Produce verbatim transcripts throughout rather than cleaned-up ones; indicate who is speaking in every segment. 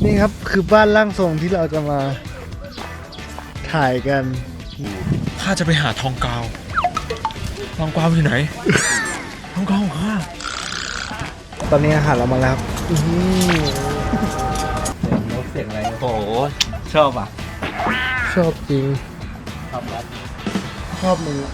Speaker 1: นี่ครับคือบ้านร่างทรงที่เราจะมาถ่ายกัน
Speaker 2: ข้าจะไปหาทองกาวทองกาวอยู่ไหนทองกาวของข้า
Speaker 1: ตอนนี้อาหารเรามาแล้วอือ
Speaker 3: เสียงอะไรโอ้โหชอบอ่ะ
Speaker 1: ชอบจริง
Speaker 3: ชอบครับ
Speaker 1: ชอบมึง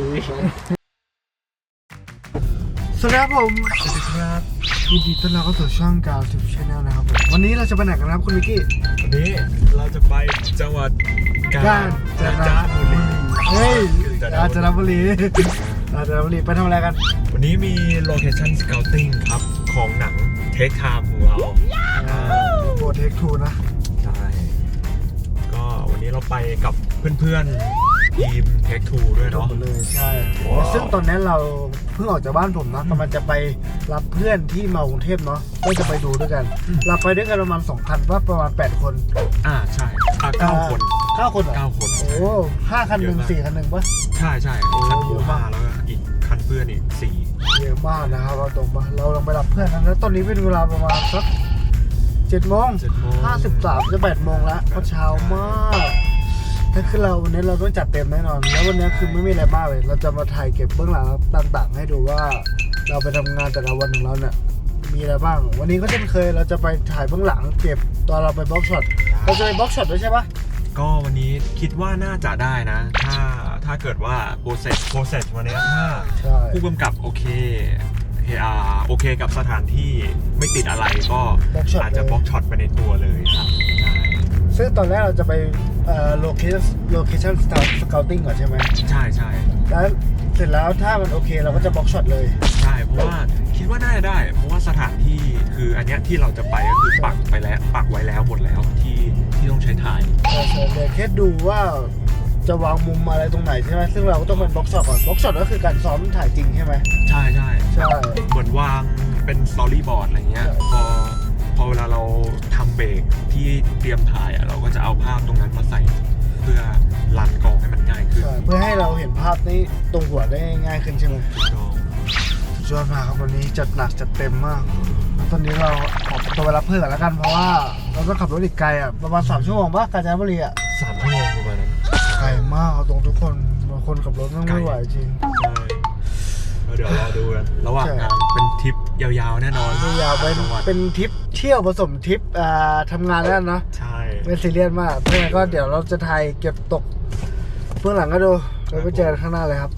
Speaker 1: สวัสดีครับผมสวัสดีครับยินดีต้อนรับเข้าสู่ช่องกาวทิปชาแนลนะครับผมวันนี้เราจะไปไหนกันครับคุณมิกกี้
Speaker 2: วันนี้เราจะไปจังหวัดกาญจนบุรี
Speaker 1: เฮ้ยกาญจนบุรีกาญจนบุรีไปทำอะไรกัน
Speaker 2: วันนี้มีโลเคชั่นสเกลติ้งครับของหนังเทคไทม์ของเรา
Speaker 1: โบเทคทูนะ
Speaker 2: ใช่ก็วันนี้เราไปกับเพื่อนๆทีมเทคทูด้วยเนาะ
Speaker 1: เลยใช่ซึ่งตอนนี้เราเพิ่งออกจากบ้านผมนะกำลังจะไปรับเพื่อนที่มากรุงเทพเนาะก็จะไปดูด้วยกันเราไปด้วยกันประมาณสองคันว่าประมาณแปดคน
Speaker 2: อ่าใช่อ่าเก้าคน
Speaker 1: เก้าคน
Speaker 2: เก้าคน
Speaker 1: โอ้ห้าคันหนึ่งสี่คันหนึ่งปะ
Speaker 2: ใช่ใช่คันเยอะมากแล้วอีกคันเพื่อนอีกสี่
Speaker 1: เยอะมากนะครับเราตรงมาเราลงไปรับเพื่อนแล้วตอนนี้เป็นเวลาประมาณสักเจ็ดโมงห้าสิบสามจะแปดโมงแล้วเพราะเช้ามากนั่นคือเราวันนี้เราต้องจัดเต็มแน่นอนแล้ววันนี้คือไม่มีอะไรมากเลยเราจะมาถ่ายเก็บเบื้องหลังต่างๆให้ดูว่าเราไปทำงานแต่ละวันของเราเนี่ยมีอะไรบ้างวันนี้ก็เช่นเคยเราจะไปถ่ายเบื้องหลังเก็บตอนเราไปบล็อกช็อตเราจะไปบล็อกช็อตด้วยใช่ปะ
Speaker 2: ก็วันนี้คิดว่าน่าจะได้นะถ้าถ้าเกิดว่าโปรเซสโปรเซสวันนี้ถ้าผู้กำกับโอเคโอเคกับสถานที่ไม่ติดอะไรก็อาจจะบล็อกช็อตไปในตัวเลยครับ
Speaker 1: ซึ่งตอนแรกเราจะไปโลเคชั่นโลเคชั่นสเกลติ้งก่อนใช่ไหม
Speaker 2: ใช่ใช่
Speaker 1: แล้วเสร็จแล้วถ้ามันโอเคเราก็จะบล็อกช็อตเลย
Speaker 2: ใช่เพราะว่าคิดว่าน่าจะได้เพราะว่าสถานที่คืออันเนี้ยที่เราจะไปก็คือปักไปแล้วปักไว้แล้วหมดแล้วที่ที่ต้องใช้ถ่าย
Speaker 1: ใช่ใช่เดี๋ยวแค่ดูว่าจะวางมุมอะไรตรงไหนใช่ไหมซึ่งเราก็ต้องเป็นบล็อกช็อตก่อนบล็อกช็อตก็คือการซ้อมถ่ายจริงใช่ไหม
Speaker 2: ใช่ใช่
Speaker 1: ใช่
Speaker 2: เหมือนวางเป็นสตอรี่บอร์ดอะไรเงี้ยพอพอเวลาเราทำเบรกที่เตรียมถ่ายอ่ะเราก็จะเอาภาพตรงนั้นมาใส่เพื่อรันกองให้มันง่ายขึ้น
Speaker 1: เพื่อให้เราเห็นภาพนี้ตรงหัวได้ง่ายขึ้นใช่ไหมสุดยอดมากครับวันนี้จัดหนักจัดเต็มมากตอนนี้เราขอตัวไปรับเพื่อนแล้วกันเพราะว่าเราต้องขับรถอีกไกลอ่ะประมาณสามชั่วโมงป่ะกาญจนบุรีอ่ะ
Speaker 2: สามชั่วโมงประมาณนั้น
Speaker 1: ไกลมากตรงทุกคนบางคนขับรถไม่ไหวจริง
Speaker 2: ใช่เดี๋ยวรอดูกันระหว่างทางเป็นทริปยาวๆแน่นอน
Speaker 1: ยาวๆเป็นเป็นทริปเที่ยวผสมทริปอ่าทำงานแล้วนะ
Speaker 2: ใช่
Speaker 1: ไม่ซีเรียสมากเพราะงั้นก็เดี๋ยวเราจะถ่ายเก็บตกเบื้องหลังก็ดูเราไปเจอกันข้างหน้าเลยครับ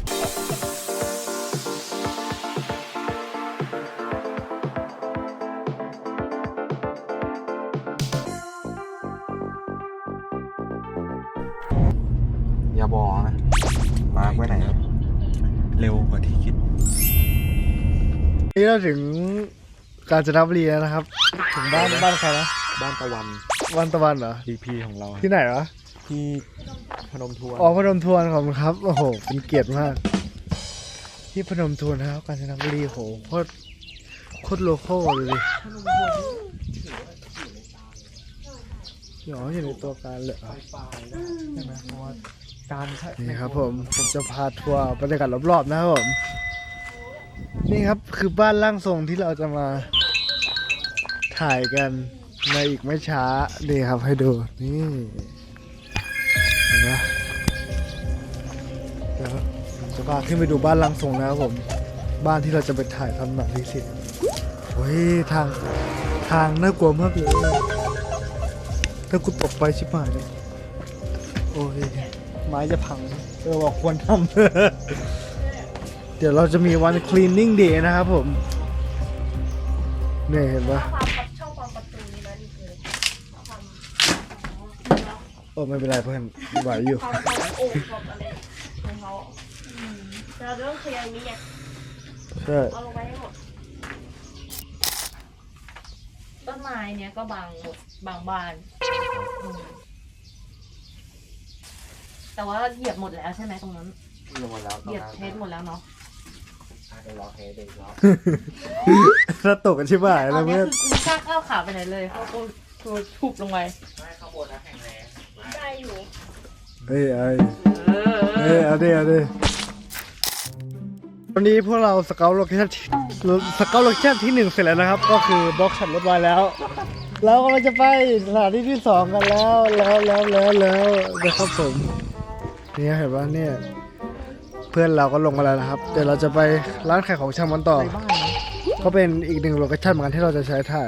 Speaker 3: อย่าบอกนะมาไว้ไหนครับ
Speaker 2: เร็วกว่าที่คิด
Speaker 1: นี่เราถึงกาญจนบุรีแล้วนะครับถึงบ้านบ้านใครนะ
Speaker 3: บ้านตะวัน
Speaker 1: บ้านตะวันเหรอ
Speaker 3: ดี พี ของเรา
Speaker 1: ที่ไหนวะ
Speaker 3: ที่พนมทวน
Speaker 1: อ๋อพนมทวนของครับโอ้โหเป็นเกียรติมากที่พนมทวนนะครับกาญจนบุรีโหโคตรโคตรโลโก้เลยเดี๋ยวอยู่ในตัวการเลยใช่ไหมเพราะว่าการนี่ครับผมผมจะพาทัวร์บรรยากาศรอบๆนะครับผมนี่ครับคือบ้านร่างทรงที่เราจะมาถ่ายกันในอีกไม่ช้านี่ครับให้ดูนี่เห็นไหมเดี๋ยวผมจะพาขึ้นไปดูบ้านร่างทรงนะครับผมบ้านที่เราจะไปถ่ายทำหนังที่สิโอ้ยทางทางน่ากลัวมากเลยถ้ากูตกไปชิบหายเลยโอ้ยไม้จะพังเออบอกควรทำเดี๋ยวเราจะมีวัน cleaning day นะครับผมเนี่ยเห็นปะโอ้ไม่เป็นไรเพื่อนไหวอยู่
Speaker 4: เราต้องเคลียร์นี้ไง
Speaker 1: ใช่
Speaker 4: เอาลงไปให้หมดต้นไม้เนี้ยก็บางหมดบางบานแต่ว่าเหยียบหมดแล้วใช่ไหมตรงนั้น
Speaker 3: หมดแล้ว
Speaker 4: เหยียบเทสหมดแล้วเนาะ
Speaker 3: เดี๋ยวรอเทสเดี๋ยวรอ
Speaker 1: ถ้าตกกันใช่ไหม
Speaker 4: แล้วเมื่อคือกูกล้าก้าวขาไปไหนเลยเขาตัวทุบลงไป
Speaker 3: ไม่ข้างบนนะแข็งแรง
Speaker 4: ได้อยู่
Speaker 1: เอ้ยเอ้ยเอ้ยเอาดิเอาดิวันนี้พวกเราสเกลโลเคชั่นสเกลโลเคชั่นที่หนึ่งเสร็จแล้วนะครับก็คือบล็อกช็อตรถไว้แล้วเรากำลังจะไปสถานที่ที่สองกันแล้วแล้วแล้วแล้วแล้วนะครับผมนี่เห็นป่ะเนี่ยเพื่อนเราก็ลงมาแล้วนะครับ เดี๋ยวเราจะไปร้านขายของชำกันต่อ ก็เป็นอีกหนึ่งโลเคชั่นเหมือนกันที่เราจะใช้ถ่าย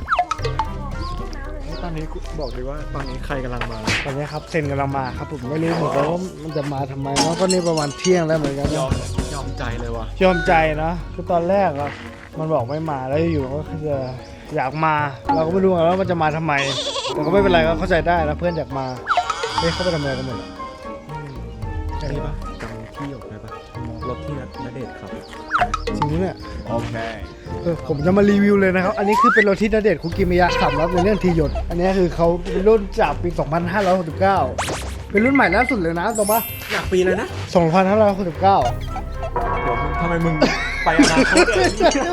Speaker 2: ตอนนี้บอกเลยว่าตอนนี้ใครกำลังมา
Speaker 1: ตอนนี้ครับเซนกำลังมาครับผมไม่รู้เหมือนกันว่ามันจะมาทำไมเนาะก็นี่ประมาณเที่ยงแล้วเหมือนกัน
Speaker 2: ยอ
Speaker 1: นะ
Speaker 2: มยอมใจเลยว่ะ
Speaker 1: ยอมใจนะคือตอนแรกอะมันบอกไม่มาแล้วอยู่ๆก็จะอยากมา เราก็ไม่รู้ว่ามันจะมาทำไมแต่ก็ไม่เป็นไรก็เข้าใจได้นะเพื่อนอยากมาเฮ้ยเขาไปทำอะไรกันหมดอะ
Speaker 2: นี่ปะจำที่หยกได้ปะรถที่ณเดชน์ขับ
Speaker 1: จริงๆเนี่ย
Speaker 2: โอเค
Speaker 1: เออผมจะมารีวิวเลยนะครับ อันนี้คือเป็นรถที่ณเดชน์คุกิมิยะขับแล้วในเรื่องทีหยด อันนี้คือเขาเป็นรุ่นจากปี สองพันห้าร้อยหกสิบเก้า เป็นรุ่นใหม่ล่าสุดเลยนะตรงปะ
Speaker 2: อยากปีเลยนะ
Speaker 1: สองพันห้าร้อยหกสิบเก้า
Speaker 2: เดี๋ยวมึงทำไมมึงไปอนาคตเลย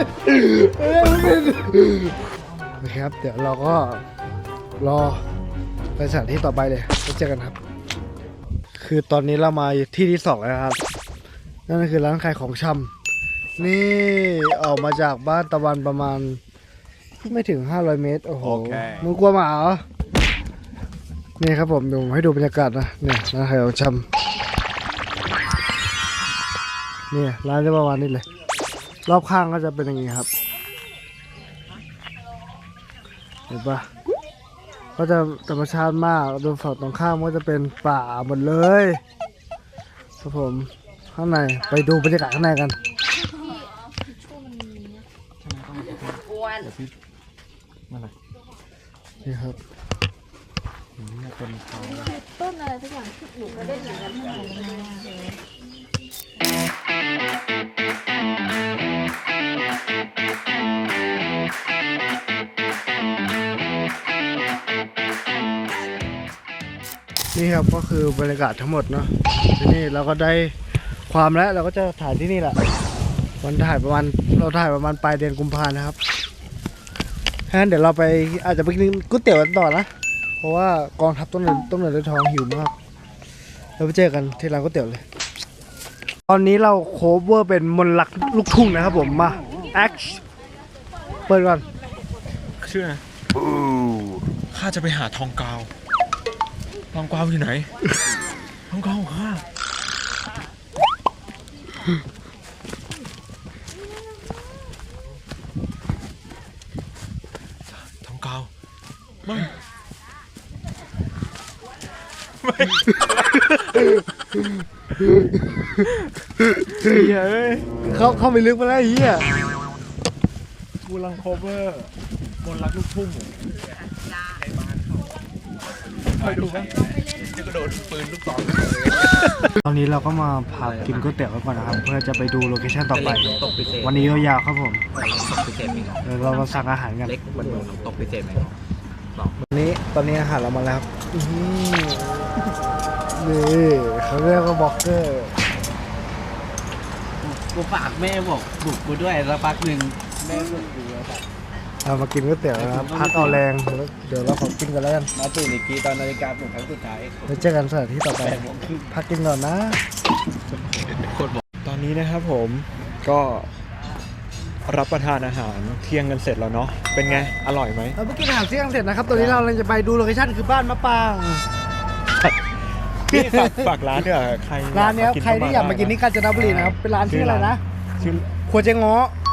Speaker 1: โอเคครับ เดี๋ยวเราก็รอไปสถานที่ต่อไปเลยไปเจอกันครับ คือตอนนี้เรามาที่ที่สองแล้วครับ นั่นก็คือร้านขายของชำนี่ออกมาจากบ้านตะวันประมาณไม่ถึงห้าร้อยเมตร โอ้โห มึงกลัวหมาเหรอ นี่ครับผมเดี๋ยวผมให้ดูบรรยากาศนะ เนี่ยร้านขายของชำเนี่ยร้านจะประมาณนี้เลย รอบข้างก็จะเป็นอย่างนี้ครับ เห็นปะก็จะธรรมชาติมากโดนฝั่งตรงข้ามก็จะเป็นป่าหมดเลยครับผมข้างในไปดูบรรยากาศข้างในกัน
Speaker 4: อ้วน
Speaker 1: นี่ครับ
Speaker 4: ต้นอะไรสักอย่างที่หนูก็ได้ยินกันทั้งหมดเลย
Speaker 1: นี่ครับก็คือบรรยากาศทั้งหมดเนาะที่นี่เราก็ได้ความแล้วเราก็จะถ่ายที่นี่แหละวันถ่ายประมาณเราถ่ายประมาณปลายเดือนกุมภานะครับงั้นเดี๋ยวเราไปอาจจะไปกินก๋วยเตี๋ยวกันต่อนะเพราะว่ากองทัพต้นเดือนต้นเดือนด้วยท้องหิวมากเราไปเจอกันที่ร้านก๋วยเตี๋ยวเลย ตอนนี้เราโคเวอร์เป็นมนต์รักลูกทุ่งนะครับผมมาแอคเปิดก่อน
Speaker 2: ชื่ออะไรข้าจะไปหาทองกาวทองกาวอยู่ไหน ทองกาวของข้าทองกาวไม่ไม่เฮ้ย
Speaker 1: เขาเข้าไปลึกมาแล้วไอ้เฮีย
Speaker 2: กูรังโคเวอร์บนรักลูกทุ่งเคยดูไหมจะกระโดดปืนลูกศร
Speaker 1: ตอนนี้เราก็มาพักกินก๋วยเตี๋ยวกันก่อนนะครับเพื่อจะไปดูโลเคชั่นต่อไป
Speaker 3: ตกพิเศษ
Speaker 1: วันนี้ยาวๆครับผม
Speaker 3: ตกพิเศษมีเหรอ
Speaker 1: เดี๋ยวเรามาสั่งอาหารกัน
Speaker 3: เล็กมันตกพิเศษไหม
Speaker 1: วันนี้ตอนนี้อาหารเรามาแล้วครับอื้อหือนี่เขาเรียกว่าบล็อกเกอร์
Speaker 3: กูฝากแม่บอกบุกกูด้วยแล้วพักหนึ่งแม่บุกกูแล้วแบบ
Speaker 1: เอามากินก๋วยเตี๋ยวนะครับพักเอาแรงเดี๋ยวเราขอกินกันแล้วกัน
Speaker 3: มาตื่นอีกทีตอนนาฬิกาปลุกครั้งสุดท้าย
Speaker 1: ไปเจอกันสถานที่ต่อไปพักกินก่อนนะ
Speaker 2: ตอนนี้นะครับผมก็รับประทานอาหารเที่ยงกันเสร็จแล้วเนาะเป็นไงอร่อยไหม
Speaker 1: เราเพิ่งกินอาหารเที่ยงเสร็จนะครับตอนนี้เรากำลังจะไปดูโลเคชั่นคือบ้านมะปาง
Speaker 2: นี่ฝากฝากร้านด้วยเหรอใคร
Speaker 1: ร้านเนี้ย
Speaker 2: กิ
Speaker 1: ใครที่อยากมากินที่กาญจนบุรีนะครับเป็นร้านชื่ออะไรนะ
Speaker 2: ชื่อ
Speaker 1: ครัวเจ๊ง้อ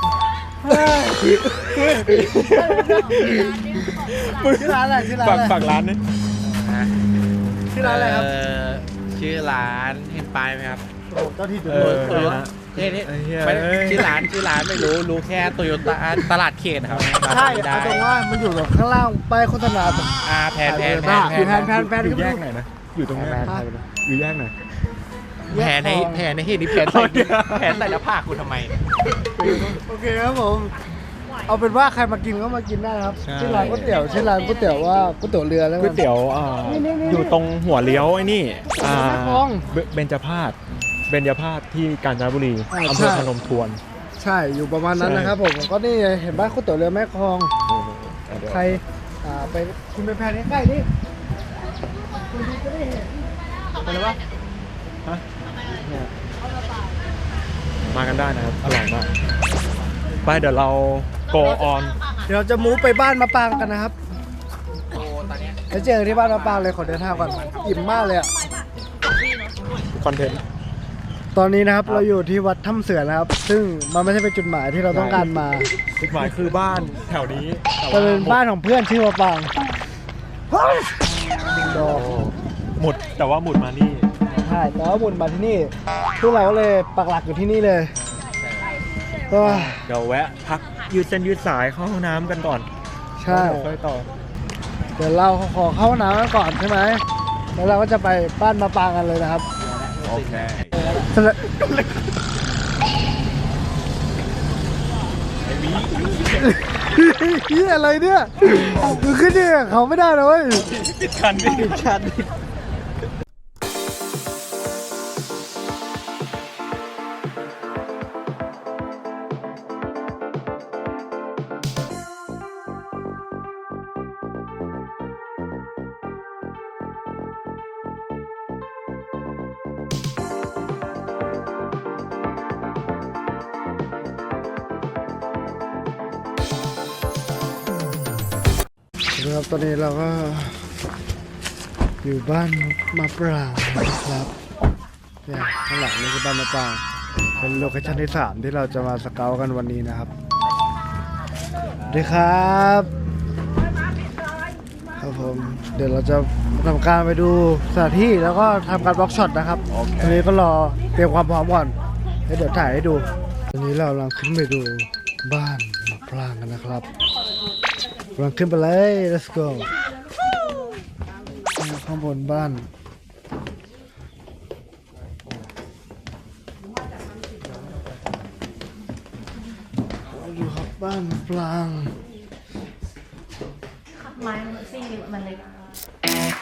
Speaker 1: ชื่อร้านอะไรชื่อร้าน
Speaker 2: ฝาก
Speaker 1: อะไร
Speaker 2: ฝากร้านนี่
Speaker 1: ชื่อร้านอะไรครับ
Speaker 3: ชื่อร้านเห็นป้ายไหมครับ
Speaker 1: โอ้โหเจ้าที่ดู
Speaker 2: เออ
Speaker 3: เออ เท่นี่
Speaker 2: ไอ้เหี้ย
Speaker 3: ไม่
Speaker 2: เอ้ย
Speaker 3: ชื่อร้านชื่อร้านไม่รู้รู้แค่โตโยต้าตลาดเขตครับ
Speaker 1: ใช่
Speaker 3: ได้
Speaker 1: เอาตรงว่ามันอยู่แบบข้างล่างป้ายโฆษณา
Speaker 3: อ่าแพนแพนแพน
Speaker 1: อยู่แพนแพนแพน
Speaker 2: อยู่แยกไหนนะอยู่ตรงนี้
Speaker 1: แพน
Speaker 2: อยู่แยกไหน
Speaker 3: แพนในแพนในเหตุนี้แพนใส่แพนใส่แล้วผ้ากูทำไม
Speaker 1: โอเคครับผมเอาเป็นว่าใครมากินก็มากินได้ครับ
Speaker 2: ใช่
Speaker 1: ชื่อร้านก๋วยเตี๋ยวชื่อร้านก๋วยเตี๋ยวว่าก๋วยเตี๋ยวเรือแล้ว
Speaker 2: ก๋วยเตี๋ยวอ่า
Speaker 1: นี่นี่นี่
Speaker 2: อยู่ตรงหัวเลี้ยวไอ้นี่อ่า
Speaker 1: แม่กลอง
Speaker 2: เบเบญจพาสเบญจพาสที่กาญจนบุรี
Speaker 1: อ่า
Speaker 2: อำเภอ
Speaker 1: ใช่
Speaker 2: พนมทวน
Speaker 1: ใช่อยู่ประมาณนั้น
Speaker 2: ใช่
Speaker 1: นะครับผมก็นี่ไงเห็นบ้านก๋วยเตี๋ยวเรือแม่คลอง
Speaker 2: เดี๋ยว
Speaker 1: ใครอ่าไปกินไปแพนใกล้ๆนี่คุณดีจะได้เห็น
Speaker 2: ไปเลยปะฮะเนี่ยมากันได้นะครับ อร่อยมาก ไปเดี๋ยวเรา go on
Speaker 1: เดี๋ยวจะมูฟไปบ้านมะปางกันนะครับแล้วเจอกันที่บ้านมะปรางเลยขอเดินทางก่อนอิ่มมากเลยอะคอนเทนต์ตอนนี้นะครับเราอยู่ที่วัดถ้ำเสือนะครับซึ่งมันไม่ใช่เป็นจุดหมายที่เราต้องการมา
Speaker 2: จุดหมายคือบ้านแถวนี้
Speaker 1: แต่เป็นบ้านของเพื่อนชื่อมะปรางดอก
Speaker 2: หมุดแต่ว่าหมุดมานี่
Speaker 1: ใช่แล้วหมุนมาที่นี่พวกเราก็เลยปักหลักอยู่ที่นี่เลยก็
Speaker 2: เดี๋ยวแวะ พักยืดเส้นยืดสายเข้าห้องน้ำกันก่อน
Speaker 1: ใช่
Speaker 2: ค่อยต่อ
Speaker 1: เดี๋ยวเราขอเข้าห้องน้ำกันก่อนใช่ไหมแล้วเราก็จะไปบ้านมะปรางกันเลยนะครับ
Speaker 2: โอเค
Speaker 1: เฮียอะไรเนี่ยมึงขึ้นเนี่ยเขาไม่ได้เลย
Speaker 2: ปิดคันปิดคัน
Speaker 1: ครับตอนนี้เราก็อยู่บ้านมะปรางนะครับเนี่ยข้างหลังนี่คือบ้านมะปรางเป็นโลเคชั่นที่สามที่เราจะมาสเกาต์กันวันนี้นะครับสวัสดีครับครับผมเดี๋ยวเราจะทำการไปดูสถานที่แล้วก็ทำการบล็อกช็อตนะครับตอนนี้ก็รอเตรียมความพร้อมก่อนแล้วเดี๋ยวถ่ายให้ดูตอนนี้เรากำลังขึ้นไปดูบ้านมะปรางกันนะครับกำลังขึ้นไปเลย let's go ข้างบนบ้านดูครับบ้านปลาง
Speaker 4: ไม้มันซี่มันเล็ก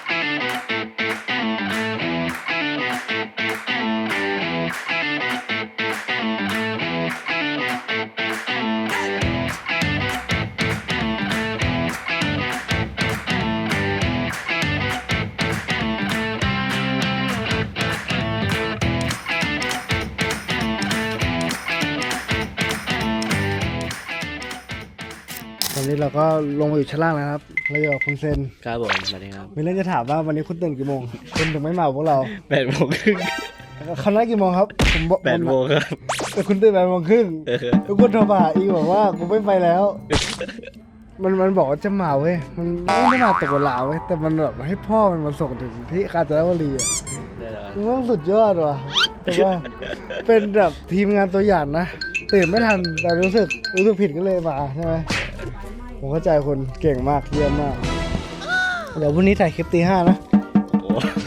Speaker 1: ตอนนี้เราก็ลงมาอยู่ชั้นล่างแล้วครับเราอยู่กับคุณเซน
Speaker 3: ครับผมสวัสดีครับ
Speaker 1: มีเรื่องจะถามว่าวันนี้คุณตื่นกี่โมงคุณถึงไม่มากับพวกเรา
Speaker 3: แปดโมงครึ่ง
Speaker 1: คณะกี่โมงครับผมบอก
Speaker 3: แปดโมงครับ
Speaker 1: แต่คุณตื่นแปดโมงครึ่ง
Speaker 3: เออ
Speaker 1: แล้วคุณโทรมาหาอีกบอกว่ากูไม่ไปแล้ว มันมันบอกว่าจะมาเว้ยมันไม่ได้มาตกเวลาเว้ยแต่มันแบบให้พ่อมันมาส่งถึงที่กาญจนบุรีอ่ะ
Speaker 3: ได้แล้ว
Speaker 1: มันต้องสุดยอดว่ะแต่ว่าเป็นแบบทีมงานตัวอย่างนะตื่นไม่ทันแต่รู้สึกรู้สึกผิดก็เลยมาใช่ไหมผมเข้าใจคนเก่งมากเยี่ยมมาก เดี๋ยวพรุ่งนี้ถ่ายคลิปตีห้านะ
Speaker 3: โอ้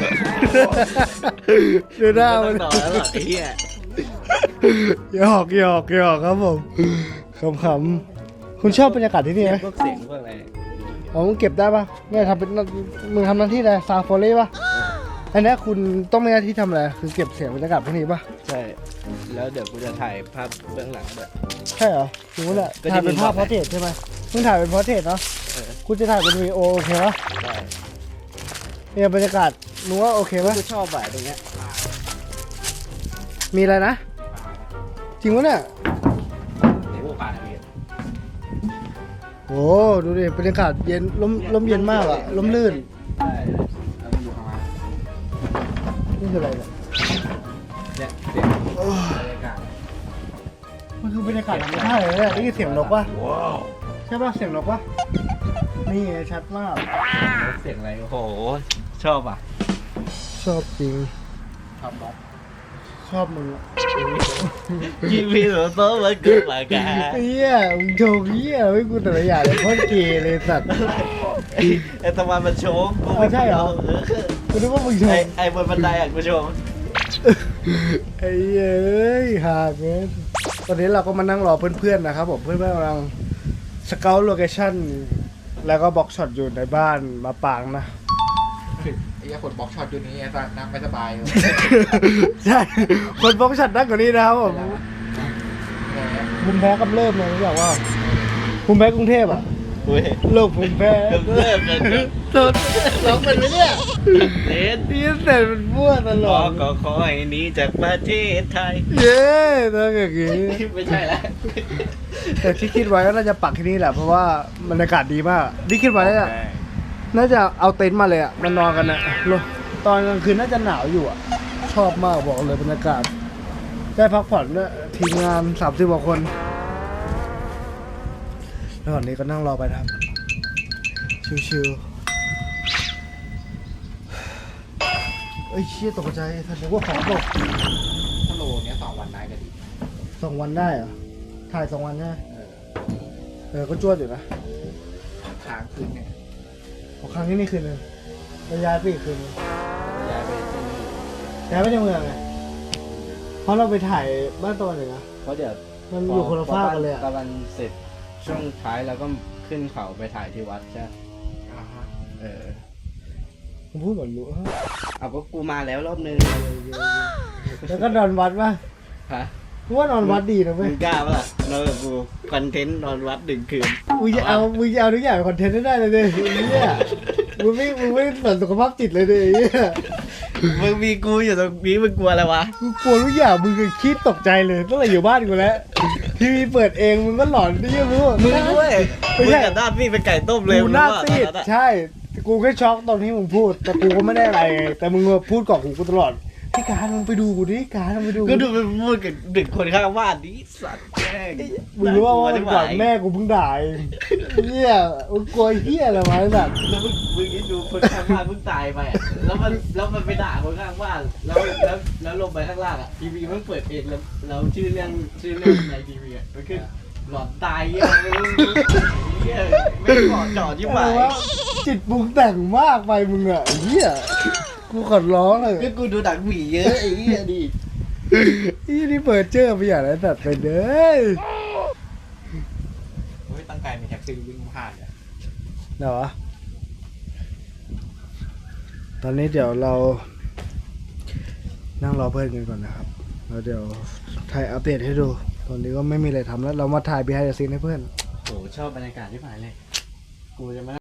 Speaker 1: ดูหน้ามัน
Speaker 3: ต่อแล้วหรอไอ้เหี้ย
Speaker 1: หยอกหยอกหยอกครับผมขำๆคุณชอบบรรยากาศที่นี่ไหม
Speaker 3: พวกเสียงพวกอะไร
Speaker 1: อ๋อมึงเก็บได้ปะเนี่ยทำเป็นมึงทำหน้าที่อะไรซาวโฟลี่ปะอันนี้คุณต้องมีหน้าที่ทำอะไรคือเก็บเสียงบรรยากาศพวกนี้ปะ
Speaker 3: ใช่แล้วเดี๋ยวกูจะถ่ายภาพเบื้องหลังด้วย
Speaker 1: ใช่เหรอถึงว่าแหละ
Speaker 3: ก็ที่
Speaker 1: ถ่ายเป็น
Speaker 3: มึง
Speaker 1: ภาพ
Speaker 3: บ
Speaker 1: พ
Speaker 3: อ
Speaker 1: อก ร์
Speaker 3: ไง
Speaker 1: เทรตใช่ไหมมึงถ่ายเป็นพอร์เทรตเนาะ
Speaker 3: เออ
Speaker 1: คุณจะถ่ายเป็นวีดีโอโอเคปะ
Speaker 3: ได้
Speaker 1: เนี่ยบรรยากาศมึงว่าโอเคปะ
Speaker 3: กูชอบบ่ายตรงเนี้ย
Speaker 1: มีอะไรนะ จริงวะเนี่ย
Speaker 3: เดี๋ยวกูป่าเรียน
Speaker 1: โอ้ดูดิบรรยากาศเย็นลมลมเย็นมากอะลมลื่น
Speaker 3: ใช่แล้วมันอยู่ข้างล่าง
Speaker 1: นี่คืออะไรเนี่ย
Speaker 3: เนี่ยเสียงบรรยากาศ
Speaker 1: มันคือบรรยากาศธรรมชาติเลยเนี่ยนี่คือเสียงนกปะ
Speaker 3: ว้าว
Speaker 1: ใช่ปะเสียงนกปะนี่ไงชัดมาก
Speaker 3: เสียงอะไรโอ้โหชอบอ่ะ
Speaker 1: ชอบจริง
Speaker 3: ชอบบ๊อบ
Speaker 1: ชอบมึงอะ
Speaker 3: ยิงพี่หนูโต๊ะมาเกิดมาแก
Speaker 1: เฮียมึงโชว์เฮียไม่กูแต่ละอย่างเลยโคตรเกย์เลยสัตว์
Speaker 3: ไอ้ตะวันมันโชงกู
Speaker 1: อ๋อใช่เหรอ กูนึกว่ามึงโช
Speaker 3: ไอ้
Speaker 1: ว์
Speaker 3: ไอ้บนบันไดอ่ะกูโชง
Speaker 1: ไอ้เอ้ยหากเงี้ยตอนนี้เราก็มานั่งรอเพื่อนๆนะครับผมเพื่อนๆกำลังสเกลโลเคชั่นแล้วก็บล็อกช็อตอยู่ในบ้านมาปางนะ
Speaker 5: ไอ้คนบล็อกช็อตอยู่นี้ไอ้นั่งไม่สบายเลย
Speaker 1: ใช่ คนบล็อกช็อตนั่งกว่านี้นะครับผมภูมิแพ้กำเริบเลยรู้จักว่าภูมิแพ้กรุงเทพอ่ะ
Speaker 3: เว้ย
Speaker 1: โรคภูมิแพ้
Speaker 3: กำเริบเลย
Speaker 1: สดร้องเป็นไหมเนี่ย
Speaker 3: เล่น
Speaker 1: พี่เสร็จมันมั่วตล
Speaker 3: ข
Speaker 1: อ
Speaker 3: อ
Speaker 1: ด
Speaker 3: ก็ขอให้หนี้จากประเทศไทย
Speaker 1: เย้ต้องอย่างงี้
Speaker 3: ไม่ใช่แล้ว
Speaker 1: แต่ที่คิดไว้ก็น่าจะปักที่นี่แหละเพราะว่าบรรยากาศดีมากที่คิดไว้อะน่าจะเอาเต็นท์มาเลยอ่ะมานอนกันอ่ะตอนกลางคืนน่าจะหนาวอยู่อ่ะชอบมากบอกเลยบรรยากาศได้พักผ่อนด้วยทีมงานสามสิบกว่าคนแล้วตอนนี้ก็นั่งรอไปนะครับชิวๆเอ้ยเชี่ยตกใจแสดงว่าของตก
Speaker 5: ถ้าโลเนี้ยสองวันได้ก็ดี
Speaker 1: สองวันได้เหรอถ่ายสองวันใช่ไหม
Speaker 5: เออ
Speaker 1: เออก็จวดอยู่นะ
Speaker 5: ค้างคืนเนี่ย
Speaker 1: ของครั้งนี้นี่คืนนึงแล้วย้ายไปอีกคืนนึง
Speaker 5: ย้ายไปที่นี่
Speaker 1: ย้ายไปในเมืองไงเพราะเราไปถ่ายบ้านตะวันเหนือ
Speaker 6: เพราะเดี๋ยว
Speaker 1: มันอยู่คนละภาคกันเลยอ่ะ
Speaker 6: ตะวันเสร็จช่วงท้ายแล้วก็ขึ้นเขาไปถ่ายที่วัดใช่ไหม
Speaker 5: อ่าฮะ
Speaker 6: เออ
Speaker 1: ผมพูดเหมือนรู้
Speaker 6: เอาก็กูมาแล้วรอบนึง
Speaker 1: แล้วก็นอนวัดป่ะ
Speaker 6: ฮะ
Speaker 1: กูว่านอนวัดดีนะเว้
Speaker 6: มึ
Speaker 1: ย
Speaker 6: งกล้าปะล่ะนอนกับกูคอนเทนต์นอนวัดหนึ่งคืน
Speaker 1: มึงจะเอามึงจะเอาทุกอย่างเป็นคอนเทนต์ได้เลยดิไอ้เนี่ยมึงไม่มึงไม่สนสุขภาพจิตเลยดิไอ้เนี่ย
Speaker 6: มึงมีกูอยู่ตรงนี้มึงกลัวอะไรวะ
Speaker 1: กูกลัวทุกอย่างมึงก็คิดตกใจเลยตั้งแต่อยู่บ้านกูแล้วทีวีเปิดเองมึงก็หลอนดิยังรู้
Speaker 6: มึงด้วย
Speaker 1: ไม่
Speaker 6: มึง
Speaker 1: ใช่
Speaker 6: กับด้านพี่เป็นไก่ต้มเลย
Speaker 1: กู
Speaker 6: มึง
Speaker 1: หน้า
Speaker 6: รู้
Speaker 1: ซีด
Speaker 6: ป่ะตอนนั้นอะ
Speaker 1: ใช่ กูแค่ช็อกตอนที่มึงพูด แต่กูก็ไม่ได้อะไรไงแต่มึงมาพูดก่อนกูกูตลอดพี่การมึงไปดูกูดิการมึงไปดู
Speaker 6: ก็ดูไปพูดกับเด็กคนข้างบ้านนี่สัตว์แม่ง
Speaker 1: มึงรู้ว่าวันก่อนแม่กูเพิ่งด่าเองเนี่ยมึงกลัวเหี้ยอะไรมาแบบ
Speaker 6: แล้วมึงมึงคิดดูคนข้างบ้านเพิ่งตายไปอะแล้วมันแล้วมันไปด่าคนข้างบ้านแล้วแล้วแล้วลงไปข้างล่างอ่ะทีวีมันเปิดเองแล้วแล้วชื่อเรื่องชื่อเรื่องในทีวีอ่ะมันขึ้นหลอนตายเงี้ยไม่รู้เงี้ยไม่เหมาะเจาะที่ไหน
Speaker 1: อะไรวะจิตปรุงแต่งมากไปมึงอ่ะไอ้เหี้ยกูขอร้องเลย
Speaker 6: ก็กูดูหนังหมีเยอะไอ้เหี้ยดิ
Speaker 1: อีนี่เปิดเจอไปอย่างไรตัดไปเด้อ
Speaker 5: เฮ้ยตั้งใจมีแท็กซี่วิ่งผ่านเนี่ย
Speaker 1: เดี๋ยววะตอนนี้เดี๋ยวเรา นั่งรอเพื่อนกันก่อนนะครับแล้วเดี๋ยวถ่ายอัปเดตให้ดู ตอนนี้ก็ไม่มีอะไรทำแล้ว เรามาถ่าย behind the scene ให้เพื่อน
Speaker 6: โหชอบบรรยากาศที่ผ่านเลยกูจะมา